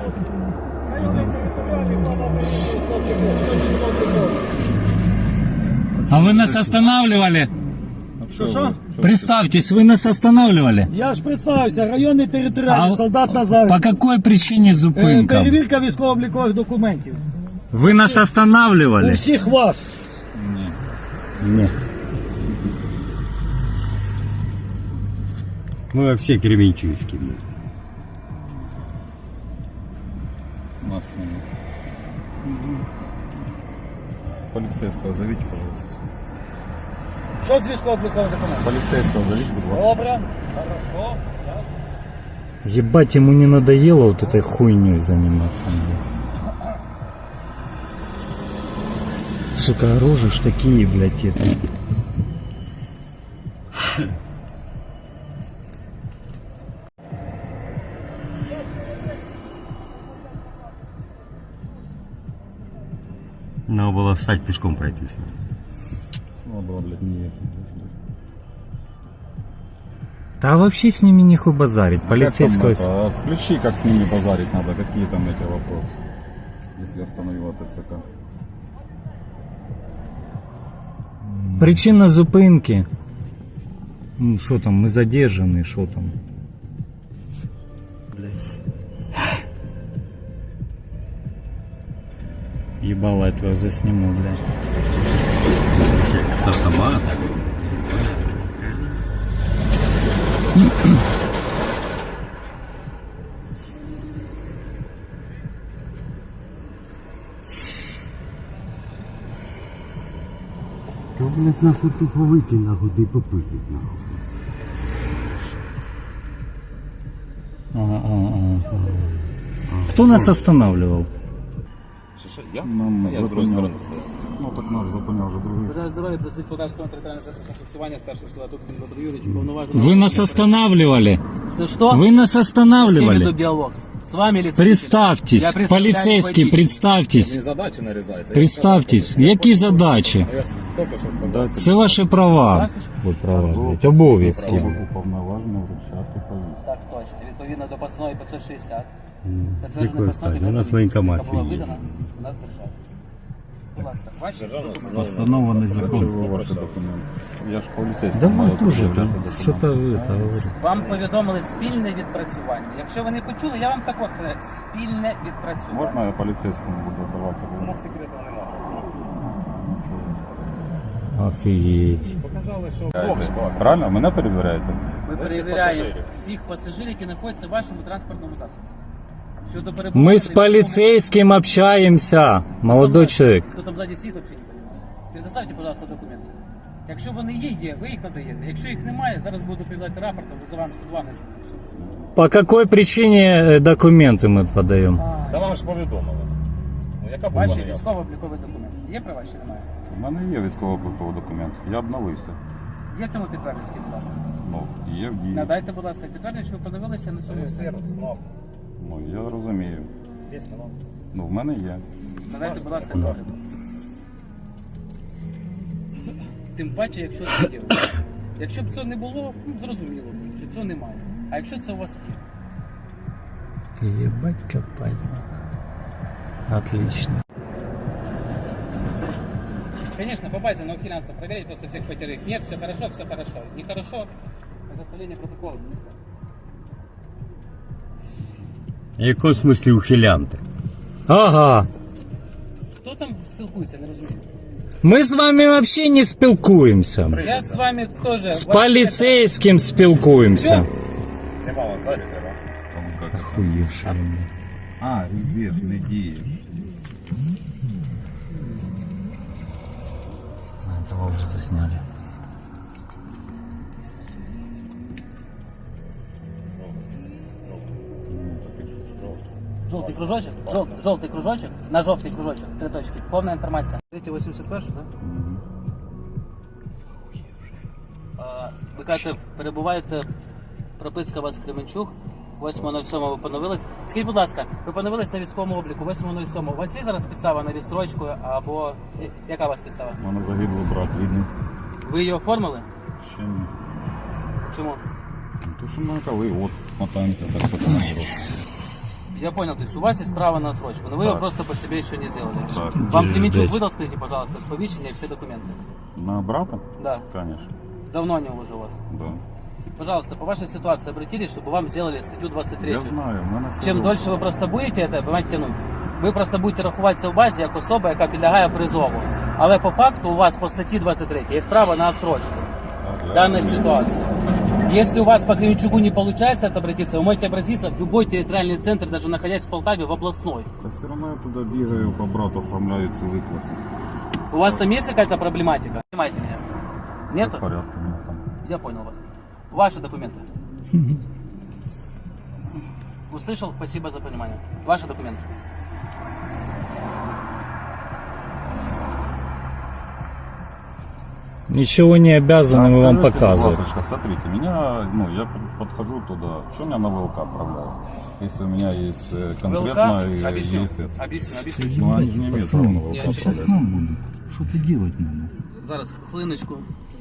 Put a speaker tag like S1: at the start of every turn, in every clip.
S1: А вы нас останавливали?
S2: Що?
S1: Представьтесь, вы нас останавливали?
S2: Я ж представився, районний територіальний, солдат Назар.
S1: По какой причине зупинка?
S2: Перевірка військово-облікових документів.
S1: Вы нас
S2: У
S1: останавливали?
S2: всіх вас.
S1: Нет.
S3: Мы вообще кременчуйские.
S4: Нас нет. Полицейского зовите, пожалуйста.
S2: Що з військово-облікових документів?
S4: Полицейского зовите, пожалуйста.
S2: Добре. Хорошо.
S1: Ебать, ему не надоело вот этой хуйней заниматься. Сука, рожи ж такие, блядь, это.
S3: Надо было встать пешком пройтись.
S4: Надо было, блядь, не ехать.
S1: Да вообще с ними нехуй базарить. Полицейского...
S4: Включи, как с ними базарить надо, какие там эти вопросы. Если остановила ТЦК.
S1: Причина зупинки. Что там, мы задержаны, что там? Ебало, я твою засниму, блядь.
S3: С автомата. Да, блядь, нахуй тупо выйти, нахуй, да и попустить, нахуй.
S1: Кто нас останавливал?
S4: Я? Я с другой стороны стою. Ну так надо, запомнил уже другие.
S2: Бажаю здоров'я, представник Полтавського територіального центру комплектування, старший села тут Дмитро Юрійович, повноважений.
S1: Вы нас останавливали.
S2: Что?
S1: Вы нас
S2: С кем веду
S1: останавливали.
S2: диалог? С вами или с
S1: Представьтесь,
S2: Я представляю
S1: полицейский,
S2: водителя.
S1: представьтесь.
S4: Мені задачі нарізаєте.
S1: Представьтесь. Які задачі?
S4: Я ж тільки що сказав.
S1: Це ваші права. Вот права, блядь, обов'язки.
S4: Уповноважено вручати повістку.
S2: Так точно, відповідно до постанови 560.
S3: Якої постанови? У нас воєнкомат
S2: була
S3: є.
S2: видана у нас держава. Будь ласка, ваші документи.
S1: Постанова незаконна.
S4: Ваші документи. Я ж поліцейський.
S1: Да
S4: маю
S1: вы тоже
S4: пред'являти
S1: там
S4: документи.
S1: что-то это говорите.
S2: Вам повідомили спільне відпрацювання. Якщо ви не почули, я вам також кажу спільне відпрацювання.
S4: Можна я поліцейському буду давати?
S2: У нас секрету немає.
S1: Офигеть.
S4: Правильно? Мене перевіряєте?
S2: Ми перевіряємо всіх пасажирів, які знаходяться в вашому транспортному засобі. Щодо перебування...
S1: Мы с полицейским общаемся, молодой человек.
S2: Хто там ззаді сидить, взагалі не розуміє. Предоставте, пожалуйста, документи. Якщо вони є, ви їх надаєте. Якщо їх немає, зараз буду передати рапортом, визиваємо 102 на все.
S1: По какой причине документы мы подаем?
S4: Та вам ж повідомили. Ну, яка була
S2: Ваші
S4: неявка?
S2: військово-облікові документи. Є права чи немає?
S4: У мене є військово-обліковий документ. Я обновився.
S2: Є цьому підтвердження, скажіть, будь ласка.
S4: Ну, є в дії.
S2: Надайте, будь ласка, підтвердження, що ви поновилися на цьому.
S4: Ну, я розумію. Ну, в мене є.
S2: Надайте, будь ласка, догляд. Тим паче, якщо це є. Якщо б цього не було, ну, зрозуміло б, що цього немає. А якщо це у вас є?
S1: Ебать копать. Отлично.
S2: Конечно, по базе на ухилянство проверить просто всех потерых. Нет, все хорошо, все хорошо. Нехорошо, составление протокола.
S3: В якому смислі ухилянти?
S1: Ага.
S2: Хто там спілкується, не розумію.
S1: Мы с вами вообще не спілкуємося.
S2: Я з вами теж...
S1: С полицейским спілкуємося.
S4: Нема вас далі треба.
S1: Охуевший.
S4: А, різеш, не діє.
S1: Этого уже засняли.
S2: Жовтий кружочок, жовтий кружочок, на жовтий кружочок, 3 точки. Повна інформація. 381, так? Ви кажете, перебуваєте, прописка у вас Кременчук, 8.07 ви поновились. Скажіть, будь ласка, ви поновились на військовому обліку, 8.07. У вас є зараз підстава на відстрочку, або яка у вас підстава?
S4: У мене загиблий брат рідний.
S2: Ви її оформили?
S4: Ще ні.
S2: Чому?
S4: Ну, то, що ми коли от мотаємося, так що там не
S2: Я понял, то есть у вас есть право на отсрочку, но вы его
S4: Да.
S2: просто по себе еще не сделали.
S4: Так.
S2: Вам Кременчук
S1: Дайте.
S2: выдал, скажите, пожалуйста, сповещение и все документы?
S4: На брата?
S2: Да.
S4: Конечно.
S2: Давно они уже у вас.
S4: Да.
S2: Пожалуйста, по вашей ситуации обратились, чтобы вам сделали статью 23.
S4: Я знаю, в мене все
S2: Чим
S4: добре.
S2: дольше ви просто будете це, понимаете, тянуть, ви просто будете рахуватися в базі як особа, яка підлягає призову. Але по факту у вас по статті 23 є право на отсрочку в данной ситуации. Если у вас по Кременчугу не получается обратиться, вы можете обратиться в любой территориальный центр, даже находясь в Полтаве, в областной.
S4: Так все одно я туди бігаю, по брату оформляю цю виплату.
S2: У вас там есть какая-то проблематика? Понимаете меня?
S4: В
S2: Нету?
S4: порядку у мене там.
S2: Я понял вас. Ваши документы. Услышал? Спасибо за понимание. Ваши документы.
S1: Ничего не обязаны мы вам
S4: Скажите,
S1: показывать.
S4: пожалуйста, смотрите, я подхожу туда, что меня на ВЛК отправляют? Если у меня есть конкретно
S2: ВЛК? Объясню.
S4: есть это.
S2: Объясню.
S4: Ну, они же не имеют права на ВЛК
S2: Я сейчас
S4: отправлять.
S1: Что ты делать надо?
S2: Зараз, хвилиночку.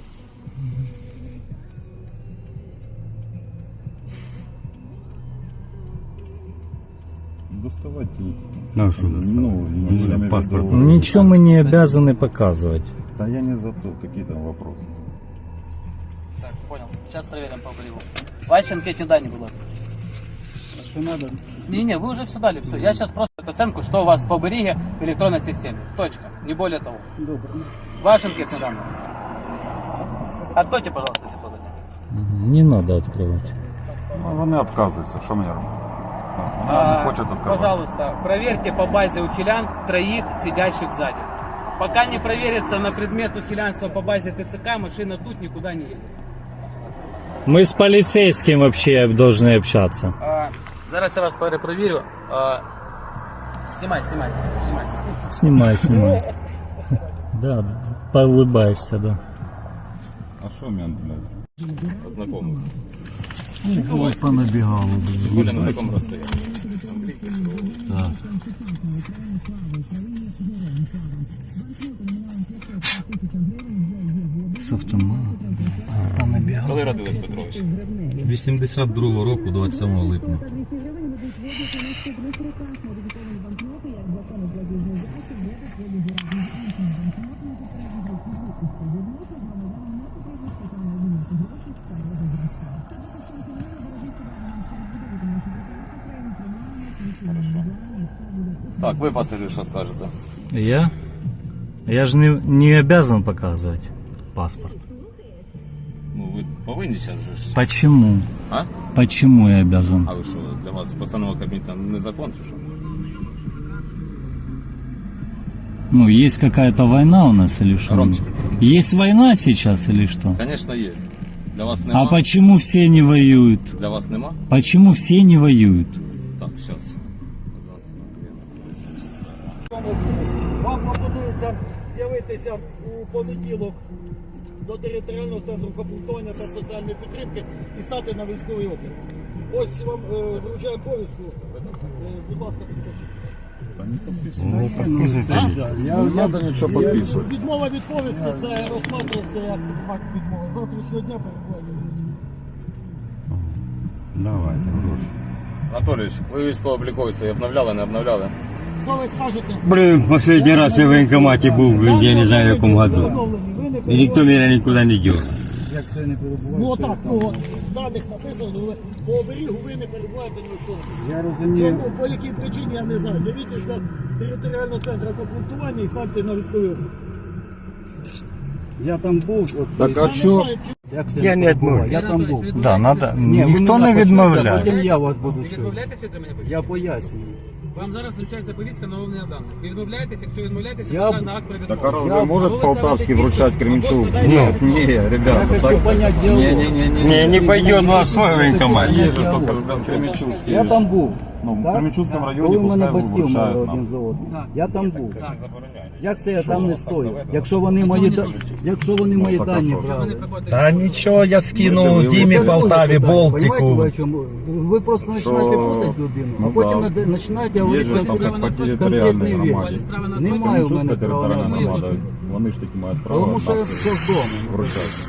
S4: Доставайте эти.
S3: Ну, что доставать?
S4: Ну, я имею в виду-
S3: паспорт.
S1: Ничего мы не обязаны показывать.
S4: Да я не за то, такие там вопросы.
S2: Так, понял. Сейчас проверим по берегу. Ваші анкетні дані, будь ласка.
S5: Что надо?
S2: Не, вы уже все дали, все. Я сейчас просто оценку, что у вас по береге в электронной системе. Точка. Не более того.
S5: Добре.
S2: Ваши анкетные данные. Откройте, пожалуйста, эти позади.
S1: Не надо открывать.
S4: Ну, вони відказуються, що мені робити? Вони не хочуть відказувати.
S2: Пожалуйста, проверьте по базе ухилян троих сидящих сзади. Пока не проверится на предмет ухилянства по базе ТЦК, машина тут никуда не едет.
S1: Мы с полицейским вообще должны общаться.
S2: Зараз я вас перепровірю. Снимай.
S1: Снимай. Да, поулыбаешься, да.
S4: А що мені, блядь?
S6: Познакомился.
S1: Ой, понабегал.
S6: Более на таком расстоянии.
S1: С автомата. Понабегал.
S6: Коли родилась Петрович?
S7: 82-го року, 27 липня.
S6: Так, ви пасажир, що скажете?
S1: Я? Я же не обязан показывать паспорт.
S6: Ну, ви повинні зараз же ж.
S1: Почему?
S6: А?
S1: Почему я обязан?
S6: А ви що, для вас постанова Кабміна не закон, чи що?
S1: Ну, есть какая-то война у нас или что?
S6: Громче.
S1: Есть война сейчас или что?
S6: Звісно, є. Для вас нема?
S1: А почему все не воюют?
S6: Для вас нема?
S1: Почему все не воюют?
S6: Так, зараз.
S5: Вам пропонується з'явитися у понеділок до територіального центру комплектування та соціальної підтримки і стати на військовий облік. Ось вам вручаю повістку. Будь ласка, підпишіться.
S4: Надо нічого підписувати.
S5: Відмова від повістки це розсматривається як акт відмови. Завтрашнього дня перебуває.
S3: Давайте, гроші.
S6: Анатолійович, ви військово-облікові свої обновляли, не обновляли?
S5: Що ви скажете?
S3: Блин, последний раз я в военкомате был, блин, я не знаю в каком году.
S5: Ви не
S3: И никто меня никуда не дел.
S5: Ну отак, в даних написано, ви по оберігу ви не перебуваєте ні в чому.
S8: Я розумію.
S5: Чому, по якій причині, я не знаю. З'явіться територіального центру комплектування і станьте на військовий облік.
S8: Я там був. От,
S4: Так, а що?
S8: як це
S3: Я не
S8: відбувається? Я
S3: відмовляю.
S8: там був.
S1: Да, надо.
S8: Ні, ви
S1: Никто
S8: мене
S1: не
S8: почуєте,
S1: відмовляє.
S8: Потім я вас буду
S2: Ви
S8: чути.
S2: відмовляєтесь від отримання повістки?
S8: Я пояснюю.
S2: Вам зараз вручається повістка на оновлення даних. Ви відмовляєтесь, якщо відмовляєтесь,
S8: Я-
S2: я... на акт про
S4: Так а
S2: відмову.
S4: разве может Полтавский вручать Кременчук?
S2: Нет,
S4: Нет, не,
S8: Я
S4: ребята.
S8: хочу понять диалог.
S3: Не, не пойдет на свой военкомат.
S4: Есть же только Кременчугский.
S8: Я там був.
S4: Ну, в
S8: Так?
S4: Кременчугском районе
S8: Коли в мене
S4: пускай
S8: батьків мали
S4: вручають
S8: один
S4: нам.
S8: за одним. Я там був.
S2: Так.
S8: Як це я там не стою? Якщо вони мої мої
S4: так, а
S8: дані
S4: що?
S8: брали.
S1: Да ничего, я скину
S4: Ми
S1: Диме
S8: Це друге
S1: Полтаве,
S8: питання.
S1: Болтику.
S8: Понимаєте, ви о чому? Ви просто починаєте путати людину, а
S4: Ну,
S8: потім
S4: да.
S8: починаєте
S4: Є
S8: говорити
S4: ж там
S8: конкретні
S4: по територіальній
S8: речі.
S4: громаді.
S8: Немає в мене
S4: Кременчугська
S8: права
S4: територіальна
S8: на
S4: громада. Вони ж таки мають право
S8: Тому що я
S4: так
S8: з дому.
S4: вручати.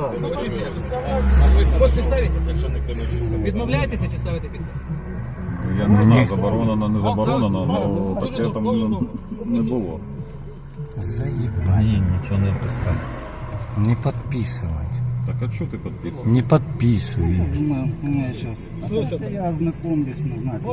S2: Подпис ставите? Відмовляєтеся чи ставите підпис?
S4: Я не знаю, заборонено, не заборонено, але таке там не було.
S1: Заебать.
S7: Ні, нічого не пускай.
S1: Не подписывать.
S4: Так а що ти підписував?
S1: Не подписывай.
S8: Я ознакомлюсь, не знаю,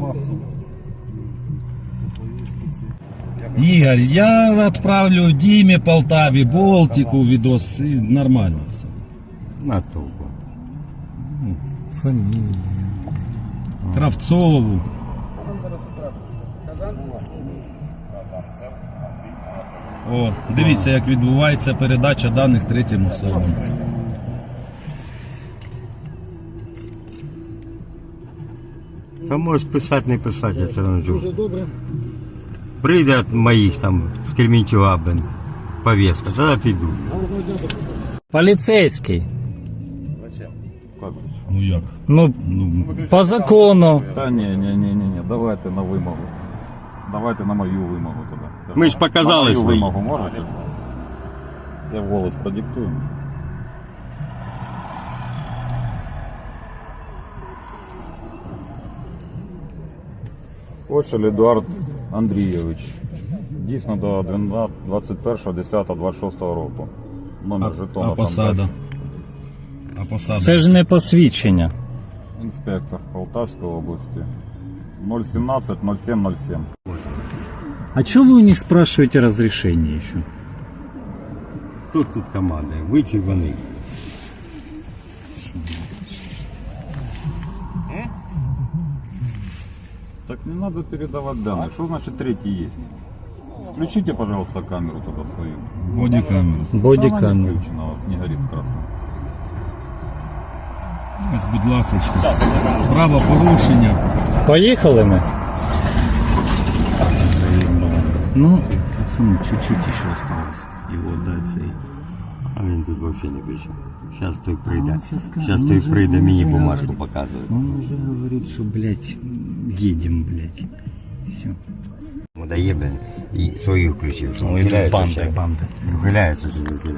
S7: Ігор, я відправлю Дімі, Полтаві, Болтику відос, і нормально все.
S3: На толку.
S1: Фамилия.
S7: Кравцову. О, дивіться, як відбувається передача даних третім особам.
S3: Та можеш писати, не писати, я все одно
S5: Дуже
S3: чую.
S5: добре.
S3: Прийде від моїх там з Кременчуга, блин, повестка, тоді піду.
S1: Полицейский.
S4: Як же?
S7: Ну як?
S1: Ну, по закону.
S4: Та ні, давайте на вимогу. Давайте на мою вимогу тоді.
S3: Ми ж показали
S4: на мою
S3: свої.
S4: вимогу можете? Я голос продиктую. Кошель Едуард Андрійович. Дійсно до 21.10.26 року. Номер жетона.
S7: А посада? А посада?
S1: Це ж не посвідчення.
S4: Інспектор Полтавської області. 017-07-07.
S1: А чего вы у них спрашиваете разрешение еще?
S3: Тут команда, ви чи вони?
S4: Так не надо передавать данные. Что значит третий есть? Включите, пожалуйста, камеру туда свою.
S7: Бодікамеру.
S4: Она не
S1: Бодикамера.
S4: включена, у вас не горит красным.
S7: Ось, будь ласочка. Правопорушення.
S1: Поехали мы? Ну, пацаны, чуть-чуть еще осталось. Его дать и...
S3: А він тут взагалі не пише. Зараз той прийде.
S1: он щас скажет,
S3: Зараз
S1: он
S3: той
S1: уже-
S3: прийде,
S1: он
S3: мені
S1: уже
S3: бумажку
S1: говорит.
S3: показує.
S1: Он уже говорит, что, блядь, едем, блядь. Все.
S3: Дає, блин, і свої включив.
S1: Ну, идут банды, банды.
S3: Виляється, що виляється.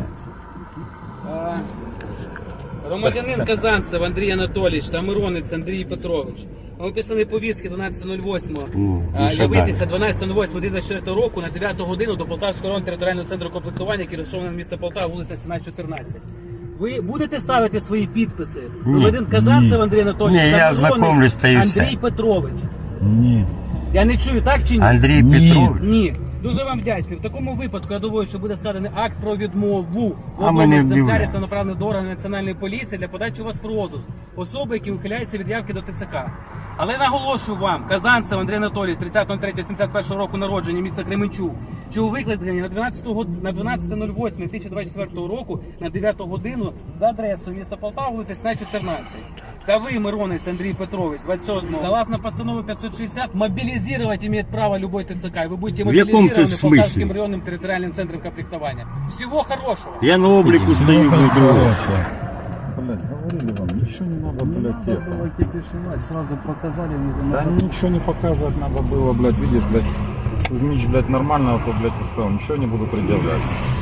S2: Громадянин Казанцев Андрій Анатолійович та Миронець Андрій Петрович. Виписаний повістки 12.08.
S3: Ну, і що
S2: Явитися 12.08.2004 року на 9 годину до Полтавського районного територіального центру комплектування, який розташований на місто Полтава, вулиця Сіна, 14. Ви будете ставити свої підписи? Громадянин Казанцев Андрій Анатолійович
S3: Ні,
S2: та
S3: я
S2: Миронець
S3: знакомлюсь, та і все.
S2: Андрій Петрович.
S7: Ні.
S2: Я не чую, так чи ні?
S3: Андрій
S7: Ні.
S3: Петрович.
S2: Ні. Дуже вам вдячний. В такому випадку я думаю, що буде складений акт про відмову в
S3: А ми
S2: одному
S3: не
S2: екземплярі
S3: вдивляємося.
S2: та направлений до органів Національної поліції для подачі у вас в розыск особи, які ухиляються від явки до ТЦК. Але наголошую вам, Казанцев Андрій Анатолійович, 30.03.71 року народження, міста Кременчук, що у викликані на 12.08.2024 року на 9 годину за адресою міста Полтава, вулиця Сіна, 14. Та ви, Миронець Андрій Петрович, 27, согласно постанове 560, мобилизировать имеет право любой ТЦК, и вы будете
S3: В якому
S2: мобилизированы
S3: це
S2: Полтавским
S3: смислі?
S2: районным территориальным центром комплектования. Всего хорошего!
S3: Я на обліку стою,
S7: Всього
S3: блин,
S7: хорошого.
S4: Блядь, говорили вам, ничего не надо, блядь,
S8: Надо
S4: это.
S8: было кипишевать, сразу показали.
S4: Да ничего не показывать надо было, блядь, видишь, блядь, Кузьмич, блядь, нормально, а то, блядь, поставил, ничего не буду предъявлять.